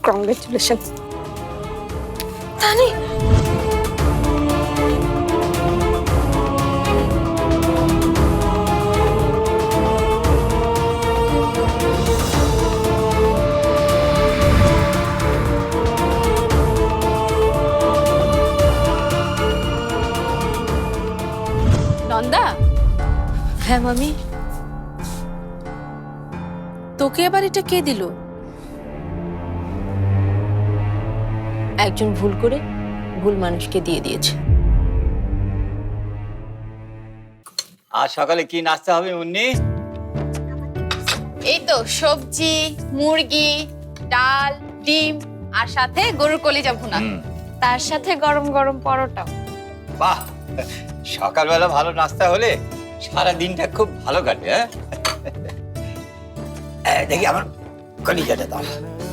Congratulation. তানি নন্দা, হ্যাঁ মামি। তোকে আবার এটা কে দিল? একজন ভুল করে ভুল মানুষকে দিয়ে দিয়েছে। আজ সকালে কি নাস্তা হবে মুন্নি? এই তো সবজি, মুরগি, ডাল, ডিম আর সাথে গরুর কলিজা ভুনা, তার সাথে গরম গরম পরোটা। বাহ, সকালবেলা ভালো নাস্তা হলে সারা দিনটা খুব ভালো কাটে। দেখি আমার কলিজাটা দাও।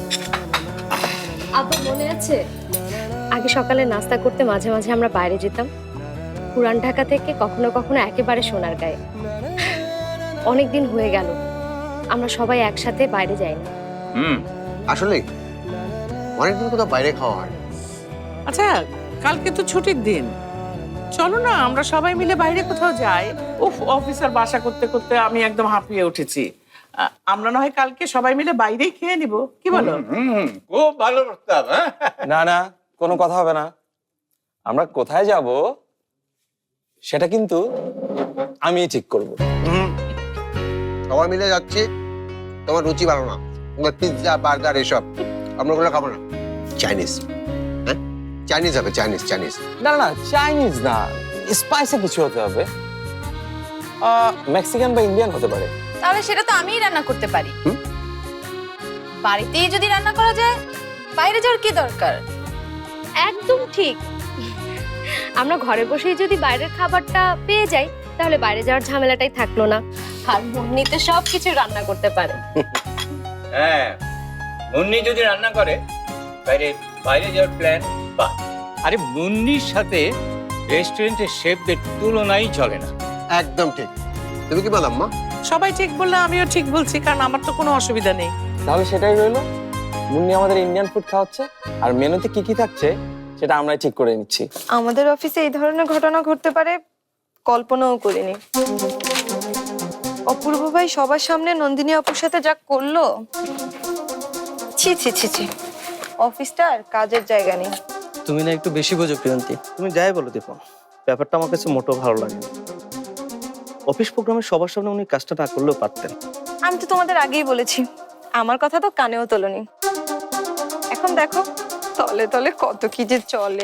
আব্বা মনে আছে আগে সকালে নাস্তা করতে মাঝে মাঝে আমরা বাইরে যেতাম, পুরান ঢাকা থেকে কখনো কখনো একেবারে সোনার গায়ে। অনেকদিন হয়ে গেল আমরা সবাই একসাথে বাইরে যাই না। আসলে অনেকদিন কোথাও বাইরে খাওয়া হয়। আচ্ছা, কালকে তো ছুটির দিন, চলো না আমরা সবাই মিলে বাইরে কোথাও যাই। উফ, অফিসার বাসা করতে করতে আমি একদম হাঁপিয়ে উঠেছি। আমরা না হয় কালকে সবাই মিলে বাইরেই খেয়ে নিব, কি বলো? খুব ভালো প্রস্তাব। না না, কোনো কথা হবে না। আমরা কোথায় যাব সেটা কিন্তু আমি ঠিক করব। সবাই মিলে যাচ্ছি, তোমার রুচি ভালো না, তোমার পিৎজা বার্গার এসব আমরা ওগুলো খাবো না। চাইনিজ, হ্যাঁ চাইনিজ হবে, চাইনিজ চাইনিজ। না না, চাইনিজ না, স্পাইসি কিছু হতে হবে। মেক্সিকান বা ইন্ডিয়ান হতে পারে। তাহলে সেটা তো আমিই রান্না করতে পারি। বাড়িতেই যদি রান্না করা যায়, বাইরে যাওয়ার কি দরকার? একদম ঠিক। আমরা ঘরে বসেই যদি বাইরের খাবারটা পেয়ে যাই তাহলে বাইরে যাওয়ার ঝামেলাটাই থাকলো না। আর মুন্নিতে সবকিছু রান্না করতে পারে। হ্যাঁ, মুন্নি যদি রান্না করে বাইরে বাইরে যাওয়ার প্ল্যান বা আরে মুন্নির সাথে রেস্টুরেন্টের শেফদের তুলনাই চলে না। একদম ঠিক। তুমি কি বললাম মা? সবাই ঠিক বললে আমিও ঠিক বলছি, কারণ আমার তো কোনো অসুবিধা নেই। তাহলে সেটাই রইলো, মুন্নি আমাদের ইন্ডিয়ান ফুড খাওয়াচ্ছে, আর মেনুতে কি কি থাকছে সেটা আমরাই ঠিক করে নিচ্ছি। আমাদের অফিসে এই ধরনের ঘটনা ঘটতে পারে কল্পনাও করিনি। অপূর্ব ভাই সবার সামনে নন্দিনী আপুর সাথে যা করলো, ছি ছি ছি ছি, অফিসটা আর কাজের জায়গা নেই। তুমি না একটু বেশি বোঝো প্রিয়ন্তী। তুমি যাই বলো দেখো, ব্যাপারটা আমার কাছে মোটেও ভালো লাগে না। অফিস প্রোগ্রামে সবার সামনে উনি কাজটা না করলেও পারতেন। আমি তো তোমাদের আগেই বলেছি, আমার কথা তো কানেও তোলনি। এখন দেখো তলে তলে কত কি যে চলে।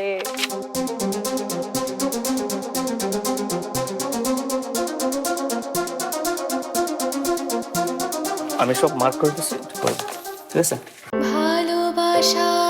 আমি সব মার্ক করে দিচ্ছি, ঠিক আছে? ভালোবাসা